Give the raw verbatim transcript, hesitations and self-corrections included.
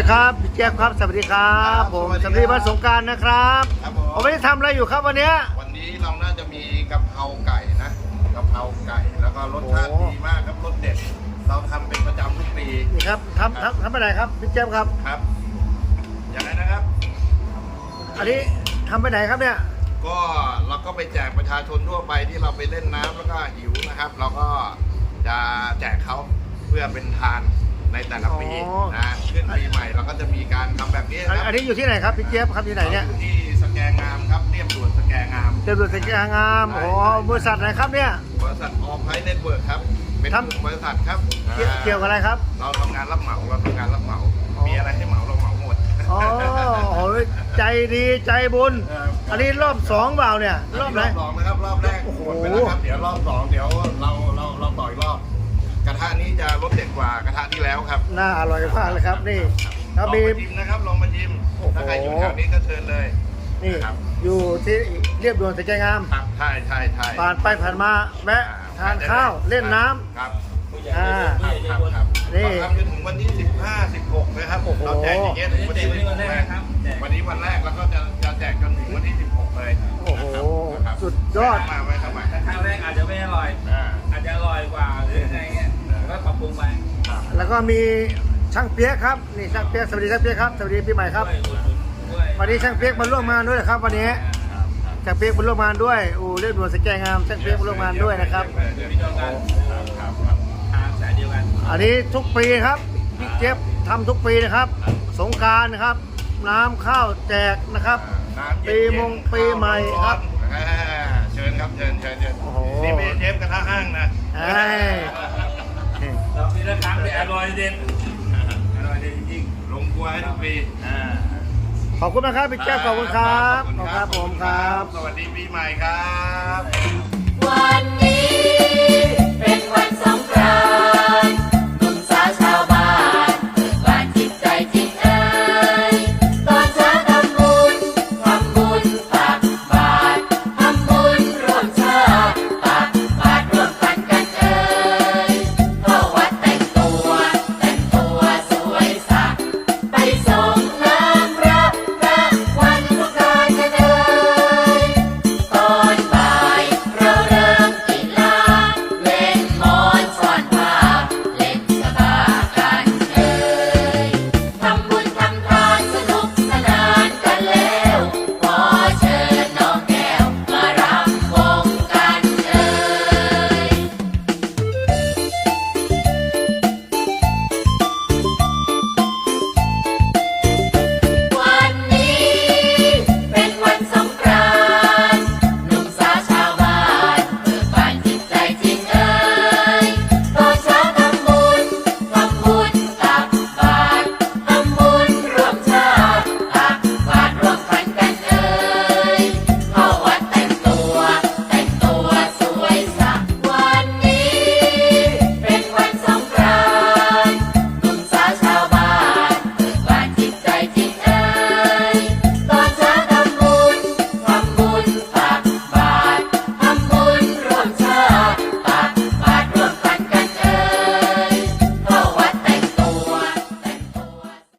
ครับพี่เจี๊ยบครับสวัสดีครับผมสวัสดีวันสงกรานต์นะครับผมไม่ได้ทำอะไรอยู่ครับวันนี้วันนี้เราน่าจะมีกะเพราไก่นะกะเพราไก่แล้วก็รสชาติดีมากครับรสเด็ดเราทำเป็นประจำทุกปีนี่ครับทำทำทำอะไรครับพี่เจี๊ยบครับครับอย่างไรนะครับอันนี้ทำไปไหนครับเนี่ยก็เราก็ไปแจกประชาชนทั่วไปที่เราไปเล่นน้ำแล้วก็หิวนะครับ เราก็จะแจกเขาเพื่อเป็นทานในแต่ละปีนะขึ้นปีใหม่เราก็จะมีการทำแบบนี้ครับอันนี้อยู่ที่ไหนครับพี่เจี๊ยบครับที่ไหนเนี่ยอยู่ที่สแกงามครับเรียบด่วนสแกงามเรียบด่วนสแกงามโอ้บริษัทไหนครับเนี่ยบริษัทออฟไพเน็ตเวิร์กครับเป็นบริษัทครับเกี่ยวกับอะไรครับเราทำงานรับเหมาเราทำงานรับเหมามีอะไรให้เหมาเราเหมาหมดอ๋อโอ้ยใจดีใจบุญอันนี้รอบสองเปล่าเนี่ยรอบไหนรอบสองนะครับรอบแรกหมดไปแล้วครับเดี๋ยวรอบสองเดี๋ยวเราเราเราต่อยรอบกระทะนี้จะรสเด็ดกว่ากระทะที่แล้วครับน่าอร่อยมากเลยครับนี่ลองมาชิมนะครับลองมาชิมถ้าใครอยู่แถวนี้ก็เชิญเลยนี่อยู่ที่เรียบด่วนสแกงามครับใช่ใช่ใช่ผ่านไปผ่านมาแวะทานข้าวเล่นน้ำครับอ่าครับครับนี่ทำจนถึงวันที่สิบห้า สิบหกนะครับเราแจกอย่างเงี้ยถึงวันที่สิบหกเลยวันนี้วันแรกแล้วก็จะจะแจกจนถึงวันที่สิบหกเลยโอ้โหสุดยอดมาไว้สมัยครั้งแรกอาจจะไม่อร่อยอาจจะอร่อยกว่าหรือไงเงี้ยก็ปรับปรุงไปแล้วก็มีช่างเปี๊ยกครับนี่ช่างเปี๊ยกสวัสดีช่างเปี๊ยกครับสวัสดีปีใหม่ครับวันนี้ช่างเปี๊ยกมาร่วมงานด้วยครับวันนี้ช่างเปี๊ยกมาร่วมงานด้วยอู่เรียบด่วนสแกงามช่างเปี๊ยกมาร่วมงานด้วยนะครับอันนี้ทุกปีครับพี่เจี๊ยบทำทุกปีนะครับสงกรานต์นะครับน้ำข้าวแจกนะครับปีมงปีใหม่ครับเชิญครับเชิญเชิญเชิญนี่เป็นเชฟกระทะห้างนะเราปีละครั้งเป็นอร่อยเด็ดอร่อยเด็ดจริงลงครัวให้ทุกปีขอบคุณนะครับพี่เจี๊ยบขอบคุณครับขอบคุณครับผมครับสวัสดีปีใหม่ครับ